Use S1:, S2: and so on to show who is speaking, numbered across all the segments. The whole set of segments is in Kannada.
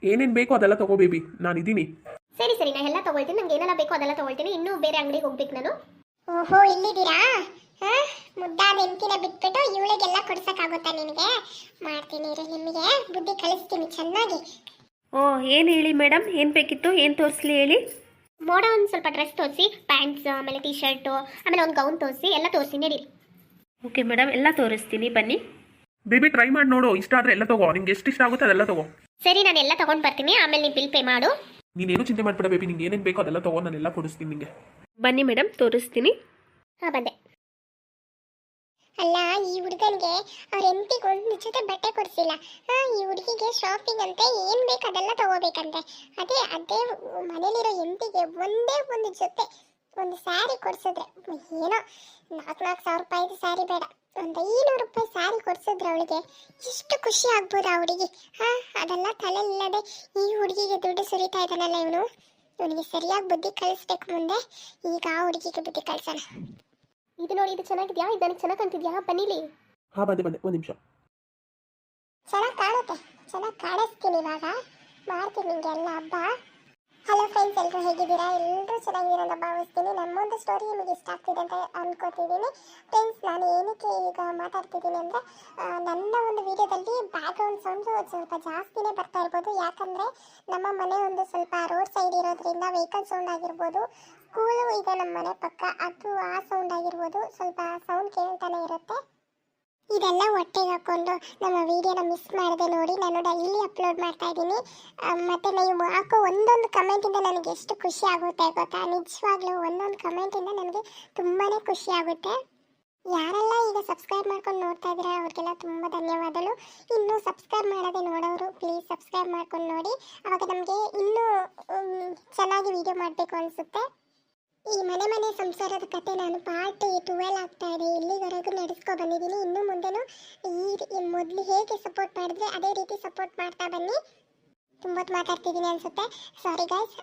S1: ಏನೇನು ಬೇಕೋ ಅದೆಲ್ಲ ತಗೋ ಬೇಬಿ, ನಾನಿದ್ದೀನಿ.
S2: ಸರಿ ಸರಿ, ನಾನು ಎಲ್ಲ ತಗೊಳ್ತೀನಿ. ನಂಗೆ ಏನೆಲ್ಲ ಬೇಕೋ ಅದೆಲ್ಲ ತಗೊಳ್ತೀನಿ. ಇನ್ನೂ ಬೇರೆ ಅಂಗಡಿಗೆ ಹೋಗ್ಬೇಕು ನಾನು.
S3: ಓಹೋ, ಇಲ್ಲಿದ್ದೀರಾ? ಹಾ, ಮುದ್ದಾದ ಹೆಂಡತಿನ ಬಿಟ್ಬಿಟ್ಟು ಇವಳಿಗೆಲ್ಲ ಕೊಡ್ಸಕ್ಕಾಗುತ್ತಾ ನಿನಗೆ? ಮಾಡ್ತೀನಿ ಇರು, ನಿಮಗೆ ಬುದ್ಧಿ ಕಲಿಸ್ತೀನಿ ಚೆನ್ನಾಗಿ.
S4: ಓ, ಏನು ಹೇಳಿ ಮೇಡಮ್, ಏನು ಬೇಕಿತ್ತು, ಏನು ತೋರಿಸ್ಲಿ ಹೇಳಿ.
S2: ಮೋಡ ಒಂದು ಸ್ವಲ್ಪ ಡ್ರೆಸ್ ತೋರಿಸಿ, ಪ್ಯಾಂಟ್ಸ್, ಆಮೇಲೆ ಟೀ ಶರ್ಟು, ಆಮೇಲೆ ಒಂದು ಗೌನ್ ತೋರಿಸಿ, ಎಲ್ಲ ತೋರಿಸಿ ನಡೀರಿ.
S4: ಓಕೆ ಮೇಡಮ್, ಎಲ್ಲ ತೋರಿಸ್ತೀನಿ ಬನ್ನಿ.
S1: ಬೇಬಿ ಟ್ರೈ ಮಾಡಿ ನೋಡು, ಇಷ್ಟ ಆದರೆ ಎಲ್ಲ ತಗೋ, ನಿಂಗೆ ಎಷ್ಟು ಇಷ್ಟ ಆಗುತ್ತೆ ಅದೆಲ್ಲ ತಗೋ.
S2: ಸರಿ, ನಾನು ಎಲ್ಲ ತಗೊಂಡು ಬರ್ತೀನಿ, ಆಮೇಲೆ ನೀವು ಬಿಲ್ ಪೇ ಮಾಡು.
S1: ನೀನೇನು ಚಿಂತೆ ಮಾಡ್ಬೇಡ ಬೇಬಿ, ನಿಂಗೆ ಏನೇನು ಬೇಕೋ ಅದೆಲ್ಲ ತಗೋ, ನಾನೆಲ್ಲ ಕೊಡಿಸ್ತೀನಿ ನಿಂಗೆ.
S4: ಬನ್ನಿ ಮೇಡಮ್, ತೋರಿಸ್ತೀನಿ.
S2: ಹಾಂ, ಬಂದೆ.
S3: ಅಲ್ಲ, ಈ ಹುಡುಗನಿಗೆ ಅವ್ರ ಹೆಂಡತಿಗೆ ಒಂದು ಜೊತೆ ಬಟ್ಟೆ ಕೊಡಿಸಿಲ್ಲ. ಈ ಹುಡುಗಿಗೆ ಶಾಪಿಂಗ್ ಅಂತ ಏನು ಬೇಕು ಅದೆಲ್ಲ ತಗೋಬೇಕಂತೆ. ಅದೇ ಅದೇ ಮನೇಲಿರೋ ಹೆಂಡತಿಗೆ ಒಂದೇ ಒಂದು ಜೊತೆ ಒಂದು ಸ್ಯಾರಿ ಕೊಡಿಸಿದ್ರೆ, ಏನೋ 4,000 ರೂಪಾಯಿದು ಸ್ಯಾರಿ ಬೇಡ, ಒಂದು 500 ರೂಪಾಯಿ ಸ್ಯಾರಿ ಕೊಡಿಸಿದ್ರೆ ಅವಳಿಗೆ ಎಷ್ಟು ಖುಷಿ ಆಗ್ಬೋದು ಆ ಹುಡುಗಿ. ಅದೆಲ್ಲ ತಲೆ ಇಲ್ಲದೆ ಈ ಹುಡುಗಿಗೆ ದುಡ್ಡು ಸುರಿತಾ ಇದ್ದಾನಲ್ಲ ಇವನು. ಇವನಿಗೆ ಸರಿಯಾಗಿ ಬುದ್ಧಿ ಕಳಿಸ್ಬೇಕು ಮುಂದೆ. ಈಗ ಆ ಹುಡುಗಿಗೆ ಬುದ್ಧಿ ಕಳಿಸೋಣ.
S2: ಇದು ನೋಡಿ, ಇದು ಚೆನ್ನಾಗಿದ್ಯಾ? ಇದು ನನಗೆ ಚೆನ್ನಾಗಿ ಕಾಣ್ತಿದ್ಯಾ? ಬನ್ನಿಲಿ.
S1: ಹಾಂ, ಬಂದೆ ಒಂದು ನಿಮಿಷ.
S3: ಚೆನ್ನಾಗಿ ಕಾಣುತ್ತೆ, ಚೆನ್ನಾಗಿ ಕಾಣಿಸ್ತೀನಿ. ಇವಾಗ ಮಾಡ್ತೀನಿ ನಿಮಗೆ ಎಲ್ಲ ಹಬ್ಬ. ಹಲೋ ಫ್ರೆಂಡ್ಸ್, ಎಲ್ಲರೂ ಹೇಗಿದ್ದೀರಾ? ಎಲ್ಲರೂ ಚೆನ್ನಾಗಿದ್ದೀರಾ ಅಂತ ಭಾವಿಸ್ತೀನಿ. ನಮ್ಮೊಂದು ಸ್ಟೋರಿ ನಿಮಗೆ ಇಷ್ಟ ಆಗ್ತಿದೆ ಅಂತ ಅನ್ಕೋತಿದ್ದೀನಿ. ಫ್ರೆಂಡ್ಸ್, ನಾನು ಏನಕ್ಕೆ ಈಗ ಮಾತಾಡ್ತಿದ್ದೀನಿ ಅಂದರೆ, ನನ್ನ ಒಂದು ವಿಡಿಯೋದಲ್ಲಿ ಬ್ಯಾಕ್ಗ್ರೌಂಡ್ ಸೌಂಡ್ ಸ್ವಲ್ಪ ಜಾಸ್ತಿನೇ ಬರ್ತಾ ಇರ್ಬೋದು. ಯಾಕಂದರೆ ನಮ್ಮ ಮನೆ ಒಂದು ಸ್ವಲ್ಪ ರೋಡ್ ಸೈಡ್ ಇರೋದ್ರಿಂದ ವೆಹಿಕಲ್ ಸೌಂಡ್ ಆಗಿರ್ಬೋದು, ಸ್ಕೂಲು ಇದೆ ನಮ್ಮ ಮನೆ ಪಕ್ಕ, ಅದು ಆ ಸೌಂಡ್ ಆಗಿರ್ಬೋದು, ಸ್ವಲ್ಪ ಸೌಂಡ್ ಕೇಳ್ತಾನೆ ಇರುತ್ತೆ. ಇದೆಲ್ಲ ಹೊಟ್ಟೆಗೆ ಹಾಕ್ಕೊಂಡು ನಮ್ಮ ವಿಡಿಯೋನ ಮಿಸ್ ಮಾಡದೆ ನೋಡಿ, ನಾನು ಡೈಲಿ ಅಪ್ಲೋಡ್ ಮಾಡ್ತಾ ಇದ್ದೀನಿ. ಮತ್ತು ನೀವು ಹಾಕೋ ಒಂದೊಂದು ಕಮೆಂಟಿಂದ ನನಗೆ ಎಷ್ಟು ಖುಷಿ ಆಗುತ್ತೆ ಗೊತ್ತಾ? ನಿಜವಾಗ್ಲೂ ಒಂದೊಂದು ಕಮೆಂಟಿಂದ ನನಗೆ ತುಂಬಾ ಖುಷಿ ಆಗುತ್ತೆ. ಯಾರೆಲ್ಲ ಈಗ ಸಬ್ಸ್ಕ್ರೈಬ್ ಮಾಡ್ಕೊಂಡು ನೋಡ್ತಾ ಇದ್ದೀರಾ ಅವ್ರಿಗೆಲ್ಲ ತುಂಬ ಧನ್ಯವಾದಗಳು. ಇನ್ನೂ ಸಬ್ಸ್ಕ್ರೈಬ್ ಮಾಡೋದೇ ನೋಡೋರು ಪ್ಲೀಸ್ ಸಬ್ಸ್ಕ್ರೈಬ್ ಮಾಡ್ಕೊಂಡು ನೋಡಿ, ಆವಾಗ ನಮಗೆ ಇನ್ನೂ ಚೆನ್ನಾಗಿ ವಿಡಿಯೋ ಮಾಡಬೇಕು ಅನಿಸುತ್ತೆ. ಈ ಮನೆ ಸಂಸಾರದ ಕತೆ ನಾನು ಪಾರ್ಟ್ 12 ಆಗ್ತಾ ಇದೆ, ಇಲ್ಲಿವರೆಗೂ ನಡೆಸ್ಕೊ ಬಂದಿದ್ದೀನಿ. ಇನ್ನು ಮುಂದೆನೂ ಈ ಮೊದಲು ಹೇಗೆ ಸಪೋರ್ಟ್ ಮಾಡಿದ್ರೆ ಅದೇ ರೀತಿ ಸಪೋರ್ಟ್ ಮಾಡ್ತಾ ಬನ್ನಿ. ತುಂಬ ಮಾತಾಡ್ತಿದ್ದೀನಿ ಅನಿಸುತ್ತೆ, ಸಾರಿ ಗೈಸ್.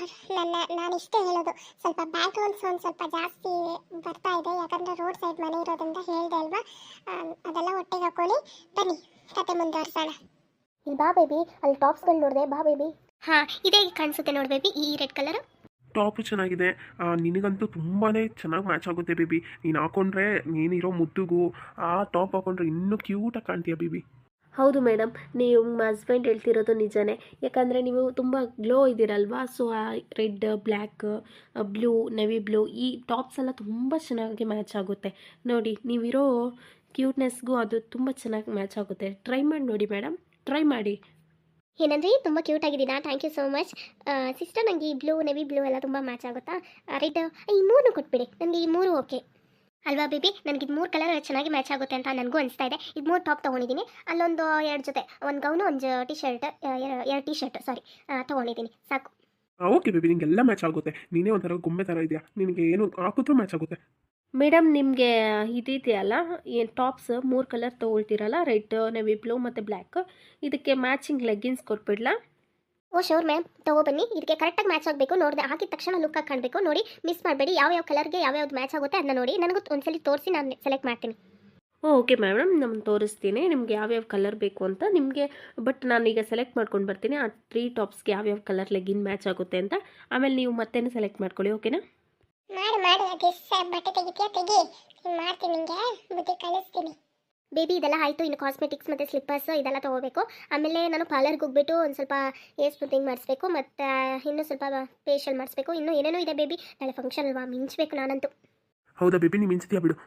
S3: ನಾನು ಇಷ್ಟೇ ಹೇಳೋದು, ಸ್ವಲ್ಪ ಬ್ಯಾಕ್ಗ್ರೌಂಡ್ ಸೌಂಡ್ ಸ್ವಲ್ಪ ಜಾಸ್ತಿ ಬರ್ತಾ ಇದೆ, ಯಾಕಂದರೆ ರೋಡ್ ಸೈಡ್ ಮನೆ ಇರೋದ್ರಿಂದ ಹೇಳಿದೆ ಅಲ್ವಾ. ಅದೆಲ್ಲ ಹೊಟ್ಟೆಗೆ ಹಾಕೊಳ್ಳಿ. ಬನ್ನಿ ಕತೆ ಮುಂದುವರ್ಸೋಣ.
S2: ಇಲ್ಲಿ ಬಾ ಬೇಬಿ, ಅಲ್ಲಿ ಟಾಪ್ಸ್ಗಳು ನೋಡಿದೆ, ಬಾ ಬೇಬಿ. ಹಾಂ, ಇದೇ ಕಾಣಿಸುತ್ತೆ ನೋಡಿ ಬೇಬಿ, ಈ ರೆಡ್ ಕಲರ್
S1: ಟಾಪು ಚೆನ್ನಾಗಿದೆ, ನಿನಗಂತೂ ತುಂಬಾ ಚೆನ್ನಾಗಿ ಮ್ಯಾಚ್ ಆಗುತ್ತೆ ಬೇಬಿ. ನೀನು ಹಾಕೊಂಡ್ರೆ ನೀನಿರೋ ಮುದ್ದುಗೂ ಆ ಟಾಪ್ ಹಾಕೊಂಡ್ರೆ ಇನ್ನೂ ಕ್ಯೂಟಾಗಿ ಕಾಣ್ತೀಯ ಬೇಬಿ.
S4: ಹೌದು ಮೇಡಮ್, ನೀವು ನಿಮ್ಮ ಹಸ್ಬೆಂಡ್ ಹೇಳ್ತಿರೋದು ನಿಜನೇ. ಯಾಕಂದರೆ ನೀವು ತುಂಬ ಗ್ಲೋ ಇದ್ದೀರಲ್ವಾ, ಸೊ ಆ red, black, blue, navy blue ಈ ಟಾಪ್ಸ್ ಎಲ್ಲ ತುಂಬ ಚೆನ್ನಾಗಿ ಮ್ಯಾಚ್ ಆಗುತ್ತೆ. ನೋಡಿ, ನೀವಿರೋ ಕ್ಯೂಟ್ನೆಸ್ಗೂ ಅದು ತುಂಬ ಚೆನ್ನಾಗಿ ಮ್ಯಾಚ್ ಆಗುತ್ತೆ. ಟ್ರೈ ಮಾಡಿ ನೋಡಿ ಮೇಡಮ್, ಟ್ರೈ ಮಾಡಿ.
S2: ಏನಂದ್ರಿ? ತುಂಬ ಕ್ಯೂಟ್ ಆಗಿದ್ದೀನಾ? Thank you so much sister. ನನಗೆ ಈ ಬ್ಲೂ, ನೆವಿ ಬ್ಲೂ ಎಲ್ಲ ತುಂಬ ಮ್ಯಾಚ್ ಆಗುತ್ತಾ? ರೆಡ್, ಈ 3 ಕೊಟ್ಬಿಡಿ, ನನಗೆ ಈ 3 ಓಕೆ ಅಲ್ವಾ ಬೇಬಿ? ನನಗೆ ಇದು 3 ಕಲರ್ ಚೆನ್ನಾಗಿ ಮ್ಯಾಚ್ ಆಗುತ್ತೆ ಅಂತ ನನಗೂ ಅನಿಸ್ತಾ ಇದೆ. ಇದು 3 ಟಾಪ್ ತೊಗೊಂಡಿದ್ದೀನಿ, ಅಲ್ಲೊಂದು 2 ಜೊತೆ, ಒಂದು ಗೌನು, ಒಂದು ಟೀ ಶರ್ಟ್, 2 ಟೀ ಶರ್ಟ್ ತೊಗೊಂಡಿದ್ದೀನಿ, ಸಾಕು.
S1: ಓಕೆ ಬೇಬಿ, ನಿಂಗೆಲ್ಲ ಮ್ಯಾಚ್ ಆಗುತ್ತೆ. ನೀನೇ ಒಂಥರ ಗೊಂಬೆ ಥರ ಇದೆಯಾ, ನಿನಗೆ ಏನು ಹಾಕಿದ್ರೂ ಮ್ಯಾಚ್ ಆಗುತ್ತೆ.
S4: ಮೇಡಮ್, ನಿಮಗೆ ಇದೆಯಲ್ಲ, ಏನು ಟಾಪ್ಸ್ 3 ಕಲರ್ ತೊಗೊಳ್ತೀರಲ್ಲ, ರೆಡ್, ನೆವಿ ಬ್ಲೂ ಮತ್ತು ಬ್ಲ್ಯಾಕ್, ಇದಕ್ಕೆ ಮ್ಯಾಚಿಂಗ್ ಲೆಗ್ಗಿನ್ಸ್ ಕೊಟ್ಬಿಡ್ಲಾ?
S2: ಓ ಶೋರ್ ಮ್ಯಾಮ್, ತೊಗೊಬನ್ನಿ. ಇದಕ್ಕೆ ಕರೆಕ್ಟಾಗಿ ಮ್ಯಾಚ್ ಆಗಬೇಕು, ನೋಡಿದೆ ಹಾಕಿದ ತಕ್ಷಣ ಲುಕ್ಕಾಗಿ ಕಾಣಬೇಕು. ನೋಡಿ, ಮಿಸ್ ಮಾಡಬೇಡಿ. ಯಾವ್ಯಾವ ಕಲರ್ಗೆ ಯಾವ್ಯಾವ್ದು ಮ್ಯಾಚ್ ಆಗುತ್ತೆ ಅದನ್ನ ನೋಡಿ, ನನಗೂ ಒಂದ್ಸಲಿ ತೋರಿಸಿ, ನಾನು ಸೆಲೆಕ್ಟ್ ಮಾಡ್ತೀನಿ.
S4: ಓಕೆ ಮೇಡಮ್, ನಾನು ತೋರಿಸ್ತೀನಿ ನಿಮಗೆ ಯಾವ್ಯಾವ ಕಲರ್ ಬೇಕು ಅಂತ ನಿಮಗೆ. ಬಟ್ ನಾನೀಗ ಸೆಲೆಕ್ಟ್ ಮಾಡ್ಕೊಂಡು ಬರ್ತೀನಿ ಆ 3 ಟಾಪ್ಸ್ಗೆ ಯಾವ್ಯಾವ ಕಲರ್ ಲೆಗ್ಗಿನ್ ಮ್ಯಾಚ್ ಆಗುತ್ತೆ ಅಂತ. ಆಮೇಲೆ ನೀವು ಮತ್ತೇನು ಸೆಲೆಕ್ಟ್ ಮಾಡ್ಕೊಳ್ಳಿ, ಓಕೆನಾ?
S3: ಮಾಡಿ ಬಟ್ಟೆ ತೆಗಿ ಮಾಡ್ತೀನಿ, ನಿಮಗೆ ಬುದ್ಧಿ ಕಳಿಸ್ತೀನಿ.
S2: ಬೇಬಿ, ಇದೆಲ್ಲ ಆಯಿತು. ಇನ್ನು ಕಾಸ್ಮೆಟಿಕ್ಸ್ ಮತ್ತು ಸ್ಲಿಪ್ಪರ್ಸ್ ಇದೆಲ್ಲ ತೊಗೋಬೇಕು. ಆಮೇಲೆ ನಾನು ಪಾರ್ಲರ್ಗೆ ಹೋಗ್ಬಿಟ್ಟು ಒಂದು ಸ್ವಲ್ಪ ಏರ್ ಸ್ಮೂತಿಂಗ್ ಮಾಡಿಸ್ಬೇಕು, ಮತ್ತು ಇನ್ನೂ ಸ್ವಲ್ಪ ಫೇಶಿಯಲ್ ಮಾಡಿಸ್ಬೇಕು. ಇನ್ನೂ ಏನೇನೋ ಇದೆ ಬೇಬಿ, ನಾಳೆ ಫಂಕ್ಷನ್ ಅಲ್ವಾ, ಮಿಂಚಬೇಕು ನಾನಂತೂ.
S1: ಹೌದಾ ಬೇಬಿ, ನೀವು ಮಿಂಚ್ತೀಯಾ ಬಿಡು.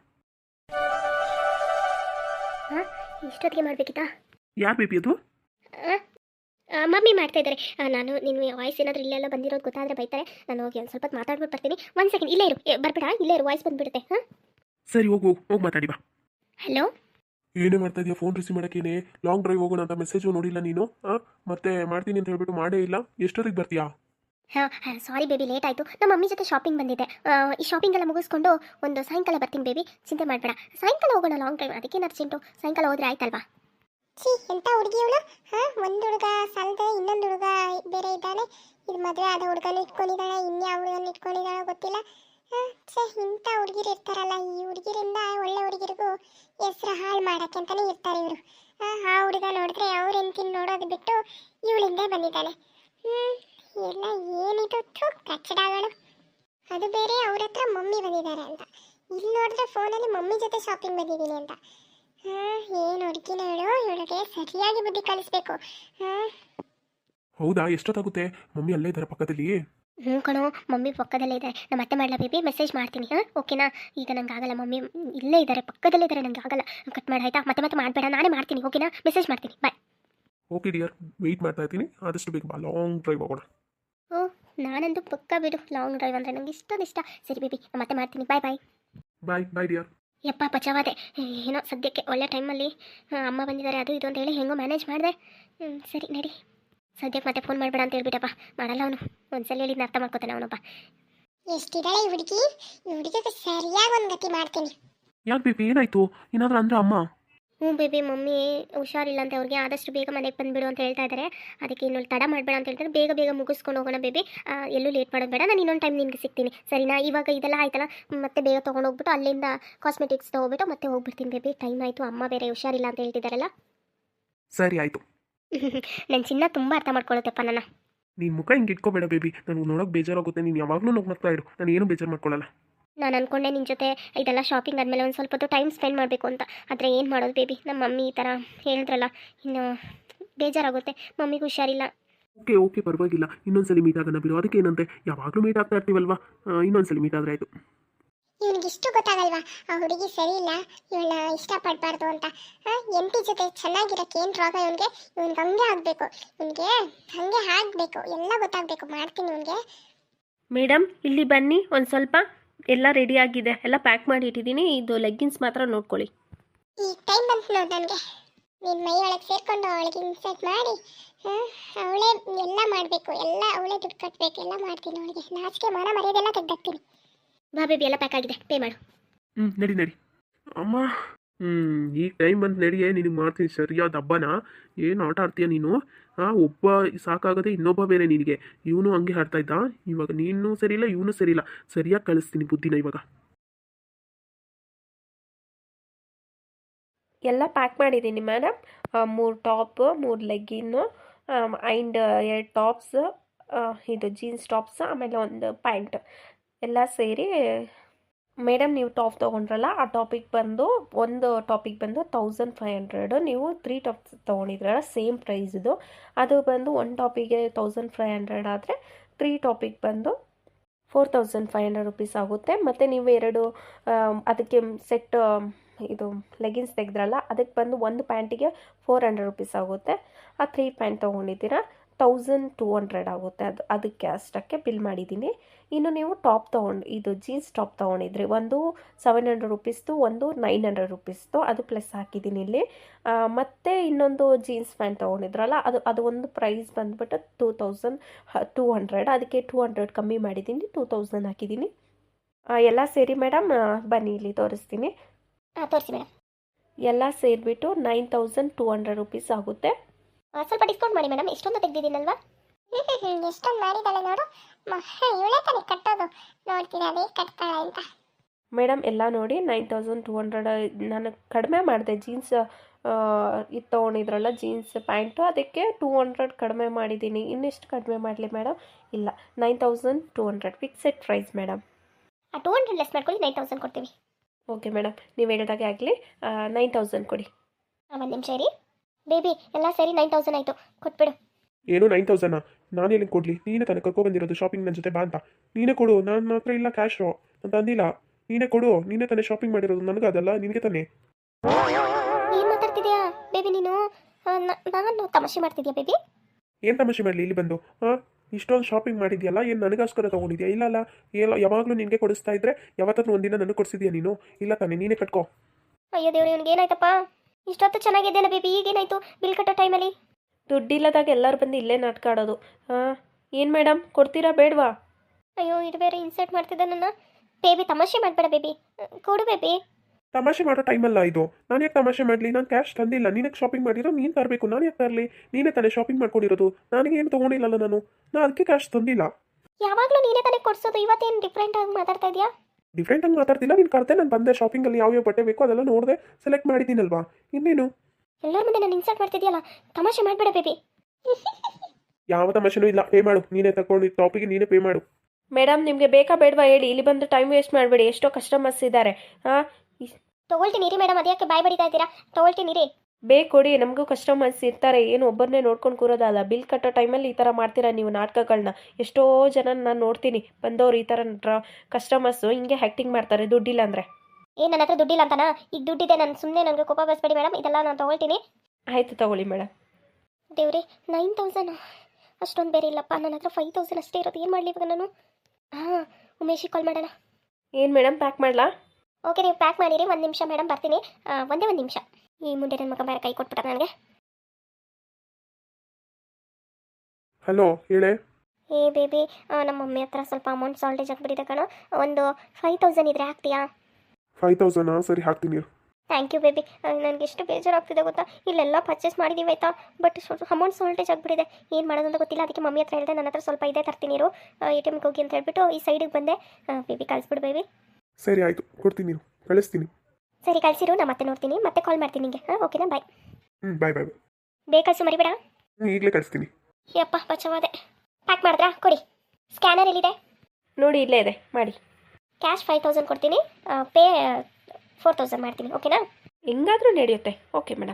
S2: ಹಾಂ, ಇಷ್ಟೊತ್ತಿಗೆ ಮಾಡಬೇಕಿತ್ತಾ?
S1: ಯಾರು ಬೇಬಿ ಅದು?
S2: ಮಮ್ಮಿ ಮಾಡ್ತಾ ಇದ್ದಾರೆ. ನಾನು ನಿನ್ನ ವಾಯ್ಸ್ ಏನಾದರೂ ಇಲ್ಲೆಲ್ಲ ಬಂದಿರೋದು ಗೊತ್ತಾದರೆ ಬೈತಾರೆ. ನಾನು ಹೋಗಿ ಒಂದು ಸ್ವಲ್ಪ ಮಾತಾಡ್ಬಿಟ್ಟು ಬರ್ತೀನಿ. 1 ಸೆಕೆಂಡ್, ಇಲ್ಲೇ ಇರು, ಬರ್ಬೇಡ, ಇಲ್ಲೇ ಇರು, ವಾಯ್ಸ್ ಬಂದುಬಿಡುತ್ತೆ. ಹಾಂ,
S1: ಸರಿ, ಹೋಗಿ ಮಾತಾಡಿ ಬಾ.
S2: ಹಲೋ,
S1: ಏನೇ ಮಾಡ್ತಾ ಇದೆಯಾ? ಫೋನ್ ರಿಸೀವ್ ಮಾಡೋಕ್ಕೇನೆ ಲಾಂಗ್ ಡ್ರೈವ್ ಹೋಗೋಣ ಅಂತ ಮೆಸೇಜು ನೋಡಿಲ್ಲ ನೀನು. ಮತ್ತೆ ಮಾಡ್ತೀನಿ ಅಂತ ಹೇಳ್ಬಿಟ್ಟು ಮಾಡೇ ಇಲ್ಲ. ಎಷ್ಟೊತ್ತಿಗೆ ಬರ್ತೀಯಾ?
S2: ಹಾಂ, ಸಾರಿ ಬೇಬಿ, ಲೇಟ್ ಆಯಿತು. ನಮ್ಮ ಮಮ್ಮಿ ಜೊತೆ ಶಾಪಿಂಗ್ ಬಂದಿದ್ದೆ. ಈ ಶಾಪಿಂಗ್ ಎಲ್ಲ ಮುಗಿಸ್ಕೊಂಡು ಒಂದು ಸಾಯಂಕಾಲ ಬರ್ತೀನಿ ಬೇಬಿ, ಚಿಂತೆ ಮಾಡಬೇಡ. ಸಾಯಂಕಾಲ ಹೋಗೋಣ ಲಾಂಗ್ ಡ್ರೈವ್, ಅದಕ್ಕೇನು ಅರ್ಜೆಂಟು? ಸಾಯಂಕಾಲ ಹೋದರೆ ಆಯ್ತಲ್ವಾ?
S3: ಎಂಥ ಹುಡುಗಿ ಇವಳು? ಒಂದು ಹುಡುಗ ಸಾಲದೆ ಇನ್ನೊಂದು ಹುಡುಗ ಬೇರೆ ಇದ್ದಾನೆ. ಇದು ಮದುವೆ ಆದ ಹುಡುಗನ ಇಟ್ಕೊಂಡಿದ್ದಾಳೆ, ಇನ್ಯಾವ ಹುಡುಗನ ಇಟ್ಕೊಂಡಿದ್ದಾಳೆ ಗೊತ್ತಿಲ್ಲ. ಇಂಥ ಹುಡುಗಿರು ಇರ್ತಾರಲ್ಲ, ಈ ಹುಡುಗಿರಿಂದ ಒಳ್ಳೆ ಹುಡುಗಿರಿಗೂ ಹೆಸರು ಹಾಳು ಮಾಡೋಕ್ಕೆ ಅಂತಲೇ ಇರ್ತಾರೆ ಇವರು. ಆ ಹುಡುಗ ನೋಡಿದ್ರೆ ಅವ್ರ ಹೆಂಡತಿನ ನೋಡೋದು ಬಿಟ್ಟು ಇವಳಿಂದ ಬಂದಿದ್ದಾನೆ. ಎಲ್ಲ ಏನಿದು ಕಚ್ಚಡಗಳು. ಅದು ಬೇರೆ ಅವ್ರ ಹತ್ರ ಮಮ್ಮಿ ಬಂದಿದ್ದಾರೆ ಅಂತ, ಇಲ್ಲಿ ನೋಡಿದ್ರೆ ಫೋನಲ್ಲಿ ಮಮ್ಮಿ ಜೊತೆ ಶಾಪಿಂಗ್ ಬಂದಿದ್ದೀನಿ ಅಂತ. ಏನು ಹುಡುಗಿನ ಹೇಳು, ಇವಳಿಗೆ ಸರಿಯಾಗಿ ಬುದ್ಧಿ ಕಲಿಸ್ಬೇಕು.
S1: ಹೌದಾ, ಎಷ್ಟೊತ್ತಾಗುತ್ತೆ? ಮಮ್ಮಿ ಅಲ್ಲೇ ಇದ್ದಾರೆ ಪಕ್ಕದಲ್ಲಿ.
S2: ಹ್ಞೂ ಕಣೋ, ಮಮ್ಮಿ ಪಕ್ಕದಲ್ಲೇ ಇದ್ದಾರೆ. ನಮ್ಮ ಅತ್ತೆ ಮಾಡಲಾ ಬೇಬಿ, ಮೆಸೇಜ್ ಮಾಡ್ತೀನಿ. ಓಕೆನಾ? ಈಗ ನಂಗೆ ಆಗಲ್ಲ, ಮಮ್ಮಿ ಇಲ್ಲೇ ಇದ್ದಾರೆ, ಪಕ್ಕದಲ್ಲೇ ಇದ್ದಾರೆ, ನಂಗೆ ಆಗಲ್ಲ. ಕಟ್ ಮಾಡಿ ಆಯಿತಾ? ಮತ್ತೆ ಮಾಡಬೇಡ, ನಾನೇ ಮಾಡ್ತೀನಿ. ಓಕೆನಾ? ಮೆಸೇಜ್ ಮಾಡ್ತೀನಿ. ಬಾಯ್.
S1: ಓಕೆ ಡಿಯರ್, ವೆಯ್ಟ್ ಮಾಡ್ತಾ ಇರ್ತೀನಿ. ಆದಷ್ಟು ಬೇಗ ಬಾ, ಲಾಂಗ್ ಡ್ರೈವ್ ಹೋಗೋಣ.
S2: ಓ, ನಾನಂತೂ ಪಕ್ಕ ಬಿಡು, ಲಾಂಗ್ ಡ್ರೈವ್ ಅಂದರೆ ನಂಗೆ ಇಷ್ಟ. ಸರಿ ಬೇಬಿ, ಮತ್ತೆ ಮಾಡ್ತೀನಿ. Bye bye.
S1: Bye bye dear.
S2: ಯಪ್ಪ ಪಚಾವಾದೆ. ಏನೋ ಸದ್ಯಕ್ಕೆ ಒಳ್ಳೆ ಟೈಮಲ್ಲಿ ಅಮ್ಮ ಬಂದಿದ್ದಾರೆ, ಅದು ಇದು ಅಂತ ಹೇಳಿ ಹೆಂಗೋ ಮ್ಯಾನೇಜ್ ಮಾಡಿದೆ. ಸರಿ ನಡಿ. ಸದ್ಯಕ್ಕೆ ಮತ್ತೆ ಫೋನ್ ಮಾಡಬೇಡ ಅಂತ ಹೇಳ್ಬಿಟ್ಟಪ್ಪ. ಮಾಡಲ್ಲ ಅವನು, ಒಂದ್ಸಲ ಹೇಳಿದ್ನ ಅರ್ಥ ಮಾಡ್ಕೋತಾನೆ ಅವನಪ್ಪ.
S3: ಎಷ್ಟಿದ್ದಾಳೆ ಈ ಹುಡುಗಿ ಸರಿಯಾಗಿ ಒಂದು ಗತಿ ಮಾಡ್ತೀನಿ.
S1: ಯಾಕೆ ಬೇಬಿ, ಏನಾಯ್ತು? ಏನಾದರೂ ಅಂದ್ರೆ ಅಮ್ಮ?
S2: ಹ್ಞೂ ಬೇಬಿ, ಮಮ್ಮಿ ಹುಷಾರಿಲ್ಲ ಅಂತ ಅವ್ರಿಗೆ, ಆದಷ್ಟು ಬೇಗ ಮನೆಗೆ ಬಂದುಬಿಡು ಅಂತ ಹೇಳ್ತಾ ಇದ್ದಾರೆ. ಅದಕ್ಕೆ ಇನ್ನೊಂದು ತಡ ಮಾಡಬೇಡ ಅಂತ ಹೇಳ್ತಾರೆ. ಬೇಗ ಮುಗಿಸ್ಕೊಂಡು ಹೋಗೋಣ ಬೇಬಿ, ಎಲ್ಲೂ ಲೇಟ್ ಮಾಡೋದು ಬೇಡ. ನಾನು ಇನ್ನೊಂದು ಟೈಮ್ ನಿನಗೆ ಸಿಗ್ತೀನಿ, ಸರಿನಾ? ಇವಾಗ ಇದೆಲ್ಲ ಆಯ್ತಲ್ಲ, ಮತ್ತೆ ಬೇಗ ತೊಗೊಂಡೋಗ್ಬಿಟ್ಟು ಅಲ್ಲಿಂದ ಕಾಸ್ಮೆಟಿಕ್ಸ್ ತೊಗೊಬಿಟ್ಟು ಮತ್ತೆ ಹೋಗ್ಬಿಡ್ತೀನಿ ಬೇಬಿ. ಟೈಮ್ ಆಯಿತು, ಅಮ್ಮ ಬೇರೆ ಹುಷಾರಿಲ್ಲ ಅಂತ ಹೇಳ್ತಿದ್ದಾರಲ್ಲ.
S1: ಸರಿ ಆಯಿತು.
S2: ನನ್ನ ಚಿನ್ನ ತುಂಬ ಅರ್ಥ ಮಾಡ್ಕೊಳ್ಳುತ್ತಪ್ಪ ನನ್ನ.
S1: ನೀನು ಮುಖ ಹಿಂಗೆ ಇಟ್ಕೋಬೇಡ ಬೇಬಿ, ನನಗೆ ನೋಡೋಕೆ ಬೇಜಾರಾಗುತ್ತೆ. ನೀನು ಯಾವಾಗಲೂ ನಗ್ನಗ್ತಾ ಇರು, ನಾನು ಏನು ಬೇಜಾರು ಮಾಡ್ಕೊಳ್ಳಲ್ಲ.
S2: ನಾನು ಅಂದ್ಕೊಂಡೆ ನಿನ್ನ ಜೊತೆ ಇದೆಲ್ಲ ಶಾಪಿಂಗ್ ಆದಮೇಲೆ ಒಂದು ಸ್ವಲ್ಪ ಹೊತ್ತು ಟೈಮ್ ಸ್ಪೆಂಡ್ ಮಾಡಬೇಕು ಅಂತ. ಆದರೆ ಏನು ಮಾಡೋದು ಬೇಬಿ, ನಮ್ಮ ಮಮ್ಮಿ ಈ ಥರ ಹೇಳಿದ್ರಲ್ಲ, ಇನ್ನು ಬೇಜಾರಾಗುತ್ತೆ. ಮಮ್ಮಿಗೆ ಹುಷಾರಿಲ್ಲ.
S1: ಓಕೆ ಪರವಾಗಿಲ್ಲ, ಇನ್ನೊಂದ್ಸಲಿ ಮೀಟ್ ಆಗೋಣ ಬಿಡು. ಅದಕ್ಕೆ ಏನಂತೆ, ಯಾವಾಗಲೂ ಮೀಟ್ ಆಗ್ತಾ ಇರ್ತೀವಲ್ವಾ, ಇನ್ನೊಂದ್ಸಲಿ ಮೀಟ್ ಆದರೆ ಆಯಿತು.
S3: ಇವನಿಗಿಷ್ಟು ಗೊತ್ತಾಗಲ್ವಾ ಆ ಹುಡುಗಿ ಸರಿ ಇಲ್ಲ, ಇವಳನ್ನ ಇಷ್ಟಪಡಬಾರ್ದು ಅಂತ. ಎಂಟಿ ಜೊತೆ ಚೆನ್ನಾಗಿರಕ್ಕೆ ಏನು ರೋಗ ಇವನಿಗೆ? ಇವನ್ಗೆ ಹಂಗೆ ಆಗಬೇಕು, ಇವನಿಗೆ ಹಂಗೆ ಆಗಬೇಕು, ಎಲ್ಲ ಗೊತ್ತಾಗಬೇಕು. ಮಾಡ್ತೀನಿ ಇವನಿಗೆ.
S4: ಮೇಡಮ್ ಇಲ್ಲಿ ಬನ್ನಿ, ಒಂದು ಸ್ವಲ್ಪ ಎಲ್ಲ ರೆಡಿ ಆಗಿದೆ, ಎಲ್ಲ ಪ್ಯಾಕ್ ಮಾಡಿ ಇಟ್ಟಿದ್ದೀನಿ. ಇದು ಲೆಗ್ಗಿನ್ಸ್ ಮಾತ್ರ ನೋಡ್ಕೊಳ್ಳಿ.
S3: ಈಗ ಟೈಮ್ ಬಂತು ನೋಡಿ ನನಗೆ. ನಿನ್ನ ಮೈ ಒಳಗೆ ಸೇರಿಕೊಂಡು ಅವಳಿಗೆ ಇನ್ಸರ್ಟ್ ಮಾಡಿ ಅವಳೇ ಎಲ್ಲ ಮಾಡಬೇಕು, ಎಲ್ಲ ಅವಳೇ ದುಡ್ಡು ಕಟ್ಟಬೇಕು, ಎಲ್ಲ ಮಾಡ್ತೀನಿ ಅವಳಿಗೆ. ನಾಚಿಕೆ ಮಾನ ಮರ್ಯಾದೆಲ್ಲ ತೆಗ್ದಾಕ್ತೀನಿ.
S2: ಬಾ ಬೇಬಿ, ಎಲ್ಲ ಪ್ಯಾಕ್ ಆಗಿದೆ, ಪೇ ಮಾಡು.
S1: ನಡಿ ಅಮ್ಮ. ಈಗ ಟೈಮ್ ಬಂದು ನಡಿಯೇ, ನಿನಗೆ ಮಾಡ್ತೀನಿ ಸರಿಯಾದ ಹಬ್ಬನ. ಏನು ಆಟ ಆಡ್ತೀಯ ನೀನು? ಒಬ್ಬ ಸಾಕಾಗದೆ ಇನ್ನೊಬ್ಬ ಬೇರೆ ನಿನಗೆ. ಇವನು ಹಂಗೆ ಆಡ್ತಾ ಇದ್ದ, ಇವಾಗ ನೀನು ಸರಿಯಿಲ್ಲ, ಇವನು ಸರಿಯಿಲ್ಲ. ಸರಿಯಾಗಿ ಕಳಿಸ್ತೀನಿ ಬುದ್ಧಿನ ಇವಾಗ.
S4: ಎಲ್ಲ ಪ್ಯಾಕ್ ಮಾಡಿದ್ದೀನಿ madam. 3 top, 3 legging and 2 tops, ಇದು ಜೀನ್ಸ್ ಟಾಪ್ಸ್, ಆಮೇಲೆ ಒಂದು ಪ್ಯಾಂಟ್ ಎಲ್ಲ ಸೇರಿ. ಮೇಡಮ್ ನೀವು ಟಾಪ್ ತೊಗೊಂಡ್ರಲ್ಲ, ಆ ಟಾಪಿಗೆ ಬಂದು ಒಂದು ಟಾಪಿಗೆ ಬಂದು 1500. ನೀವು 3 ಟಾಪ್ಸ್ ತೊಗೊಂಡಿದ್ರಲ್ಲ, ಸೇಮ್ ಪ್ರೈಸ್ ಇದು. ಅದು ಬಂದು ಒಂದು ಟಾಪಿಗೆ 1500 ಆದರೆ 3 ಟಾಪಿಗೆ ಬಂದು 4500 ರುಪೀಸ್ ಆಗುತ್ತೆ. ಮತ್ತು ನೀವು 2 ಅದಕ್ಕೆ ಸೆಟ್ ಇದು ಲೆಗಿನ್ಸ್ ತೆಗೆದ್ರಲ್ಲ, ಅದಕ್ಕೆ ಬಂದು ಒಂದು ಪ್ಯಾಂಟಿಗೆ 400 ರುಪೀಸ್ ಆಗುತ್ತೆ. ಆ 3 ಪ್ಯಾಂಟ್ ತೊಗೊಂಡಿದ್ದೀರಾ 1200 ಆಗುತ್ತೆ. ಅದಕ್ಕೆ ಅಷ್ಟಕ್ಕೆ ಬಿಲ್ ಮಾಡಿದ್ದೀನಿ. ಇನ್ನು ನೀವು ಟಾಪ್ ಇದು ಜೀನ್ಸ್ ಟಾಪ್ ತೊಗೊಂಡಿದ್ರಿ, ಒಂದು 700 ರುಪೀಸ್ದು, ಒಂದು 900 ರುಪೀಸ್ದು, ಅದು ಪ್ಲಸ್ ಹಾಕಿದ್ದೀನಿ ಇಲ್ಲಿ. ಮತ್ತು ಇನ್ನೊಂದು ಜೀನ್ಸ್ ಪ್ಯಾಂಟ್ ತೊಗೊಂಡಿದ್ರಲ್ಲ, ಅದು ಒಂದು ಪ್ರೈಸ್ ಬಂದುಬಿಟ್ಟು 2200. ಅದಕ್ಕೆ 200 ಕಮ್ಮಿ ಮಾಡಿದ್ದೀನಿ, 2000 ಹಾಕಿದ್ದೀನಿ. ಎಲ್ಲ ಸೇರಿ ಮೇಡಮ್ ಬನ್ನಿ ಇಲ್ಲಿ ತೋರಿಸ್ತೀನಿ.
S2: ತೋರಿಸಿ ಮೇಡಮ್.
S4: ಎಲ್ಲ ಸೇರಿಬಿಟ್ಟು 9200 ರುಪೀಸ್ ಆಗುತ್ತೆ.
S2: ಸ್ವಲ್ಪ ಡಿಸ್ಕೌಂಟ್ ಮಾಡಿ ಮೇಡಮ್, ಎಷ್ಟೊಂದು ತೆಗೆದಿದ್ದೀನಲ್ವಾ?
S3: ಎಷ್ಟೊಂದು ಮಾಡಿದ್ದಾಳೆ ನೋಡು. ಇವಳೇ ತಾನೇ ಕಟ್ಟೋದು, ನೋಡ್ತೀನಿ ಅದೇ ಕಟ್ತಾಳೆ ಅಂತ.
S4: ಮೇಡಮ್ ಎಲ್ಲ ನೋಡಿ 9200. ನಾನು ಕಡಿಮೆ ಮಾಡಿದೆ. ಜೀನ್ಸ್ ಇದು ತೊಗೊಂಡಿದ್ರಲ್ಲ ಜೀನ್ಸ್ ಪ್ಯಾಂಟು, ಅದಕ್ಕೆ 200 ಕಡಿಮೆ ಮಾಡಿದ್ದೀನಿ. ಇನ್ನೆಷ್ಟು ಕಡಿಮೆ ಮಾಡಲಿ ಮೇಡಮ್? ಇಲ್ಲ, 9200 ಫಿಕ್ಸೆಡ್ ಪ್ರೈಸ್ ಮೇಡಮ್.
S2: 200 ಲೆಸ್ ಮಾಡ್ಕೊಳ್ಳಿ, 9000 ಕೊಡ್ತೀವಿ.
S4: ಓಕೆ ಮೇಡಮ್, ನೀವು ಹೇಳಿದಾಗೆ ಆಗಲಿ. 9000 ಕೊಡಿ.
S2: ಒಂದು ನಿಮಿಷ ಇರಿ ಬೇಬಿ, ಎಲ್ಲ ಸರಿ 9000 ಆಯಿತು, ಕೊಟ್ಬಿಡು.
S1: ಏನು 9000? ನಾನು ಎಲ್ಲಿ ಕೊಡಲಿ? ನೀನೇ ತಾನೇ ಕರ್ಕೊಬಂದಿರೋದು ಶಾಪಿಂಗ್ ನನ್ನ ಜೊತೆ ಬಾ ಅಂತ. ನೀನೇ ಕೊಡು, ನನ್ನ ಹತ್ರ ಇಲ್ಲ ಕ್ಯಾಶು ಅಂತ ಅಂದಿಲ್ಲ. ನೀನೇ ಕೊಡು, ನೀನೇ ತಾನೇ ಶಾಪಿಂಗ್ ಮಾಡಿರೋದು, ನನಗೆ ಅದಲ್ಲ ನಿನಗೆ ತಾನೇ.
S2: ಏನು ಮಾತಾಡ್ತಿದ್ಯಾ ಬೇಬಿ ನೀನು? ನಾನು ತಮಾಷೆ ಮಾಡ್ತಿದ್ಯಾ ಬೇಬಿ?
S1: ಏನು ತಮಾಷೆ ಮಾಡಲಿ ಇಲ್ಲಿ ಬಂದು? ಇಷ್ಟೊಂದು ಶಾಪಿಂಗ್ ಮಾಡಿದ್ಯಲ್ಲ, ಏನು ನನಗೋಸ್ಕರ ತೊಗೊಂಡಿದ್ಯಾ? ಇಲ್ಲ ಯಾವಾಗಲೂ ನಿನಗೆ ಕೊಡಿಸ್ತಾ ಇದ್ರೆ ಯಾವತ್ತಾದ್ರೂ ಒಂದಿನ ನನಗೆ ಕೊಡಿಸಿದ್ಯಾ ನೀನು? ಇಲ್ಲ ತಾನೇ, ನೀನೇ ಕಟ್ಕೋ.
S2: ಅಯ್ಯೋ ದೇವ್ರೆ, ಇವ್ನಿಗೆ ಏನಾಯ್ತಪ್ಪ? ಇಷ್ಟೊತ್ತು ಚೆನ್ನಾಗಿದ್ದೇನೆ ಬೇಬಿ, ಈಗೇನಾಯಿತು ಬಿಲ್ ಕಟ್ಟೋ ಟೈಮಲ್ಲಿ?
S4: ದುಡ್ಡಿಲ್ಲದಾಗ ಎಲ್ಲರೂ ಬಂದು ಇಲ್ಲೇ ನಾಟಕ ಆಡೋದು. ಏನು ಮೇಡಮ್, ಕೊಡ್ತೀರಾ ಬೇಡವಾ?
S2: ಅಯ್ಯೋ, ಇದು ಬೇರೆ ಇನ್ಸರ್ಟ್ ಮಾಡ್ತಿದ್ದೆ ನನ್ನ. ಬೇಬಿ ತಮಾಷೆ ಮಾಡಬೇಡ ಬೇಬಿ, ಕೊಡು ಬೇಬಿ.
S1: ತಮಾಷೆ ಮಾಡೋ ಟೈಮಲ್ಲ ಇದು. ನಾನು ಯಾಕೆ ತಮಾಷೆ ಮಾಡಲಿ? ನಾನು ಕ್ಯಾಶ್ ತಂದಿಲ್ಲ, ನಿನಗೆ ಶಾಪಿಂಗ್ ಮಾಡಿರೋ ನೀನು ತರಬೇಕು. ನಾನು ಯಾಕೆ ತರಲಿ? ನೀನೇ ತಾನೇ ಶಾಪಿಂಗ್ ಮಾಡ್ಕೊಂಡಿರೋದು, ನನಗೆ ಏನು ತೊಗೊಂಡಿಲ್ಲಲ್ಲ ನಾನು ಅದಕ್ಕೆ ಕ್ಯಾಶ್ ತಂದಿಲ್ಲ.
S2: ಯಾವಾಗಲೂ ನೀನೇ ತಾನೇ ಕೊಡ್ಸೋದು, ಇವತ್ತೇನು ಡಿಫ್ರೆಂಟ್ ಆಗಿ ಮಾತಾಡ್ತಾ ಇದೆಯಾ?
S1: ಡಿಫ್ರೆಂಟಾಗಿ ಮಾತಾಡ್ತಿಲ್ಲ. ನೀನು ಕರೆದೆ, ನಾನು ಬಂದೆ. ಶಾಪಿಂಗಲ್ಲಿ ಯಾವ್ಯಾವ ಬಟ್ಟೆ ಬೇಕೋ ಅದೆಲ್ಲ ನೋಡಿದೆ, ಸೆಲೆಕ್ಟ್ ಮಾಡಿದ್ದೀನಲ್ವಾ, ಇನ್ನೇನು?
S2: ಎಲ್ಲರ ಮುಂದೆ ನಾನು ಇನ್ಸಲ್ಟ್ ಮಾಡ್ತಿದ್ಯಲ್ಲ, ತಮಾಷೆ ಮಾಡಬೇಡ ಬೇಬಿ.
S1: ಯಾವ ತಮಾಷೆನೂ ಇಲ್ಲ, ಪೇ ಮಾಡು. ನೀನೇ ತಗೊಂಡು ಟಾಪಿಗೆ ನೀನೇ ಪೇ ಮಾಡು.
S4: ಮೇಡಮ್ ನಿಮಗೆ ಬೇಕಾ ಬೇಡವಾ ಹೇಳಿ, ಇಲ್ಲಿ ಬಂದು ಟೈಮ್ ವೇಸ್ಟ್ ಮಾಡಬೇಡಿ, ಎಷ್ಟೋ ಕಸ್ಟಮರ್ಸ್ ಇದ್ದಾರೆ. ಹಾಂ
S2: ತೊಗೊಳ್ತೀನಿ ರೀ ಮೇಡಮ್, ಅದಕ್ಕೆ ಬಾಯ್ ಬಡಿತಾ ಇದ್ದೀರಾ? ತೊಗೊಳ್ತೀನಿ ರೀ.
S4: ಬೇಕು ಕೊಡಿ, ನಮಗೂ ಕಸ್ಟಮರ್ಸ್ ಇರ್ತಾರೆ, ಏನು ಒಬ್ಬರನ್ನೇ ನೋಡ್ಕೊಂಡು ಕೂರೋದಲ್ಲ. ಬಿಲ್ ಕಟ್ಟೋ ಟೈಮಲ್ಲಿ ಈ ಥರ ಮಾಡ್ತೀರಾ ನೀವು ನಾಟಕಗಳನ್ನ. ಎಷ್ಟೋ ಜನ ನಾನು ನೋಡ್ತೀನಿ ಬಂದವರು ಈ ಥರ ಕಸ್ಟಮರ್ಸು ಹಿಂಗೆ ಆ್ಯಕ್ಟಿಂಗ್ ಮಾಡ್ತಾರೆ ದುಡ್ಡಿಲ್ಲ ಅಂದರೆ.
S2: ನನ್ನ ಹತ್ರ ದುಡ್ಡಿಲ್ಲ ಅಂತಾನಾ? ಈಗ ದುಡ್ಡಿದೆ, ನಾನು ಸುಮ್ಮನೆ ನನಗೆ ಕೋಪ ಬಸ್ಬೇಡಿ ಮೇಡಮ್, ಇದೆಲ್ಲ ನಾನು ತೊಗೊಳ್ತೀನಿ.
S4: ಆಯಿತು ತಗೊಳ್ಳಿ ಮೇಡಮ್.
S2: ದೇವ್ರಿ 9000 ಅಷ್ಟೊಂದು ಬೇರೆ ಇಲ್ಲಪ್ಪ, ನನ್ನ ಹತ್ರ 5000 ಅಷ್ಟೇ ಇರೋದು. ಏನು ಮಾಡಲಿ ಇವಾಗ ನಾನು? ಹಾಂ, ಉಮೇಶಿಗೆ ಕಾಲ್ ಮಾಡೋಣ.
S4: ಏನು ಮೇಡಮ್ ಪ್ಯಾಕ್ ಮಾಡಲಾ?
S2: ಓಕೆ, ನೀವು ಪ್ಯಾಕ್ ಮಾಡಿರಿ. 1 ನಿಮಿಷ ಮೇಡಮ್, ಬರ್ತೀನಿ. ಒಂದೇ 1 ನಿಮಿಷ. ಈ ಮುಂದೆ ನನ್ನ ಮಗ ಬೇರೆ ಕೈ ಕೊಟ್ಬಿಟ್ಟ ನನಗೆ.
S1: ಹಲೋ, ಹೇಳೆ.
S2: ಏ ಬೇಬಿ, ನಮ್ಮ ಮಮ್ಮಿ ಹತ್ರ ಸ್ವಲ್ಪ ಅಮೌಂಟ್ ಸಾಲ್ಟೇಜ್ ಆಗಿಬಿಟ್ಟಿದೆ ಕಣೋ. ಒಂದು 5000 ಇದ್ರೆ ಹಾಕ್ತೀಯಾ?
S1: 5000 ಸರಿ ಹಾಕ್ತೀನಿ ಇರು.
S2: Thank you baby. ನನಗೆ ಎಷ್ಟು ಬೇಜಾರಾಗ್ತಿದೆ ಗೊತ್ತಾ? ಇಲ್ಲೆಲ್ಲ ಪರ್ಚೇಸ್ ಮಾಡಿದ್ದೀವಿ ಆಯಿತಾ, ಬಟ್ ಸ್ವಲ್ಪ ಅಮೌಂಟ್ ಸಾಲ್ಟೇಜ್ ಆಗಿಬಿಟ್ಟಿದೆ. ಏನು ಮಾಡೋದು ಅಂತ ಗೊತ್ತಿಲ್ಲ. ಅದಕ್ಕೆ ಮಮ್ಮಿ ಹತ್ರ ಹೇಳಿದೆ, ನನ್ನ ಹತ್ರ ಸ್ವಲ್ಪ ಇದೆ, ತರ್ತೀನಿ ಇರು, ATMಗೆ ಹೋಗಿ ಅಂತ ಹೇಳ್ಬಿಟ್ಟು ಈ ಸೈಡಿಗೆ ಬಂದೆ. ಬೇಬಿ ಕಳಿಸ್ಬಿಡು ಬೇಬಿ.
S1: ಸರಿ ಆಯಿತು, ಕೊಡ್ತೀನಿ ಇರು, ಕಳಿಸ್ತೀನಿ.
S2: ಸರಿ ಕಳಿಸಿರು, ನಾನು ಮತ್ತೆ ನೋಡ್ತೀನಿ, ಮತ್ತೆ ಕಾಲ್ ಮಾಡ್ತೀನಿ ನಿಮಗೆ. ಓಕೆನಾ? ಬಾಯ್.
S1: ಬಾಯ್ ಬಾಯ್.
S2: ಬೇಗ ಕಳಿಸು, ಮರಿಬೇಡ.
S1: ಈಗಲೇ ಕಳಿಸ್ತೀನಿ.
S2: ಯಪ್ಪ ಬಚಾವಾದೆ. ಪ್ಯಾಕ್ ಮಾಡಿದ್ರಾ? ಕೊಡಿ. ಸ್ಕ್ಯಾನರ್ ಎಲ್ಲಿದೆ?
S4: ನೋಡಿ ಇಲ್ಲೇ ಇದೆ, ಮಾಡಿ.
S2: ಕ್ಯಾಶ್ 5000 ಕೊಡ್ತೀನಿ, ಪೇ 4000 ಮಾಡ್ತೀನಿ. ಓಕೆನಾ?
S4: ಹೆಂಗಾದರೂ ನಡೆಯುತ್ತೆ. Okay madam.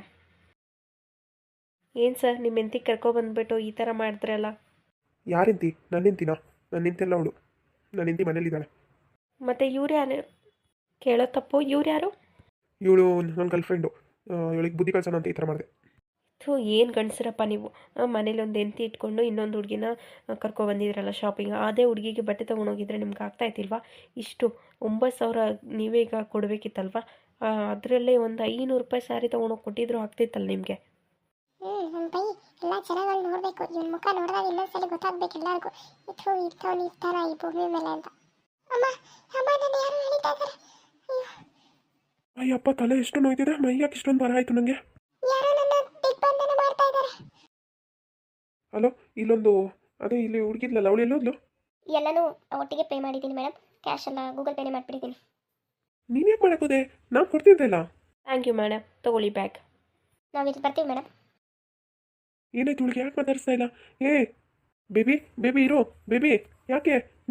S4: ಏನು ಸರ್, ನಿಮ್ಮ ಹೆಂಡತಿ ಕರ್ಕೊಬಂದ್ಬಿಟ್ಟು ಈ ಥರ ಮಾಡಿದ್ರಲ್ಲ?
S1: ಯಾರಿಂತಿ? ನನ್ನ ಹೆಂಡ್ತಿನಾ? ನನ್ನ ಹೆಂಡ್ತಿಲ್ಲ ಅವಳು. ನನ್ನ ಹೆಂಡ್ತಿ ಮನೇಲಿದ್ದಾಳೆ.
S4: ಮತ್ತು ಇವ್ರು ಯಾರು? ಕೇಳೋ ತಪ್ಪು, ಇವ್ರು ಯಾರು?
S1: ಇವಳು ನನ್ನ ಗರ್ಲ್ ಫ್ರೆಂಡು. ಇವಳಿಗೆ ಬುದ್ಧಿ ಕಳ್ಸೋಣ ಅಂತ ಈ ಥರ ಮಾಡಿದೆ.
S4: ಏನು ಗಂಡಸರಪ್ಪ ನೀವು. ಮನೇಲಿ ಒಂದು ಹೆಂಡತಿ ಇಟ್ಕೊಂಡು ಇನ್ನೊಂದು ಹುಡುಗಿನ ಕರ್ಕೊಬಂದಿದ್ರಲ್ಲ ಶಾಪಿಂಗ್. ಅದೇ ಹುಡುಗಿಗೆ ಬಟ್ಟೆ ತೊಗೊಂಡೋಗಿದ್ರೆ ನಿಮ್ಗೆ ಆಗ್ತಾಯಿತ್ತಿಲ್ವಾ? ಇಷ್ಟು 9000 ನೀವೇ ಈಗ ಕೊಡಬೇಕಿತ್ತಲ್ವ? ಅದರಲ್ಲೇ ಒಂದು 500 ರೂಪಾಯಿ ಸ್ಯಾರಿ ತೊಗೊಂಡೋಗಿ ಕೊಟ್ಟಿದ್ರು ಆಗ್ತಿತ್ತಲ್ಲ ನಿಮಗೆ.
S3: ನನ್ನ ಬೈ ಎಲ್ಲ ಜನಗಳು ನೋಡಬೇಕು, ಇವನ ಮುಖ ನೋಡಿದಾಗ ಇನ್ನೊಂದ್ಸಲಿ ಗೊತ್ತಾಗ್ಬೇಕು ಎಲ್ಲರಿಗೂ, ಇದು ಇರ್ತವನು ಇರ್ತಾರ ಈ ಭೂಮಿ ಮೇಲೆ ಅಂತ. ಅಮ್ಮ ಅಮ್ಮ, ನಾನು ಯಾರು ಹೇಳಿತಾ ಇದ್ದಾರೆ?
S1: ಅಯ್ಯಪ್ಪ, ತಲೆ ಎಷ್ಟು ನೋಯ್ತಿದೆ, ಮೈಯಾಕೆ ಇಷ್ಟೊಂದು ಬರ ಆಯಿತು ನನಗೆ.
S3: ಯಾರೋ ನನ್ನ ದಿಗ್ಬಂಧನ ಮಾಡ್ತಾ ಇದ್ದಾರೆ.
S1: ಹಲೋ, ಇಲ್ಲೊಂದು ಅದೇ ಇಲ್ಲಿ ಹುಡುಗಿದ್ಲಲ್ಲ, ಅವಳು ಎಲ್ಲೋದ್ಲು?
S2: ಎಲ್ಲನೂ ಒಟ್ಟಿಗೆ ಪೇ ಮಾಡಿದ್ದೀನಿ ಮೇಡಮ್. ಕ್ಯಾಶ್ ಎಲ್ಲ ಗೂಗಲ್ ಪೇನೇ ಮಾಡಿಬಿಟ್ಟಿದ್ದೀನಿ.
S1: ನೀನು ಯಾಕೆ ಮಾಡೋಕೋದೆ? ನಾನು ಕೊಡ್ತಿದ್ದೆಲ್ಲ.
S4: ಥ್ಯಾಂಕ್ ಯು ಮೇಡಮ್, ತೊಗೊಳ್ಳಿ ಬ್ಯಾಗ್.
S2: ನಾವು ಇಲ್ಲಿ ಬರ್ತೀವಿ ಮೇಡಮ್.
S1: ಏನಾಯ್ತು ಹುಡುಗಿ, ಯಾಕೆ ಮಾತಾಡಿಸ್ತಾ ಇಲ್ಲ? ಏ ಬೇಬಿ, ಬೇಬಿ ಇರೋ, ಬೇಬಿ ಯಾಕೆ?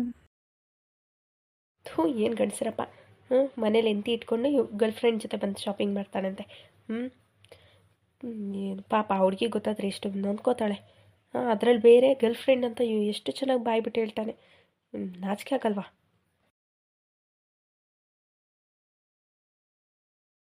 S4: ಏನು ಗಂಡಸರಪ್ಪ. ಮನೇಲಿ ಹೆಂಡತಿ ಇಟ್ಕೊಂಡು ಗರ್ಲ್ ಫ್ರೆಂಡ್ ಜೊತೆ ಬಂದು ಶಾಪಿಂಗ್ ಮಾಡ್ತಾನಂತೆ. ಏನು ಪಾಪ, ಹುಡುಗಿ ಗೊತ್ತಾದ್ರೆ ಎಷ್ಟು ನೊಂದ್ಕೋತಾಳೆ. ಅದರಲ್ಲಿ ಬೇರೆ ಗರ್ಲ್ ಫ್ರೆಂಡ್ ಅಂತ ಎಷ್ಟು ಚೆನ್ನಾಗಿ ಬಾಯ್ಬಿಟ್ಟು ಹೇಳ್ತಾನೆ. ನಾಚಿಕೆ ಆಗಲ್ವಾ?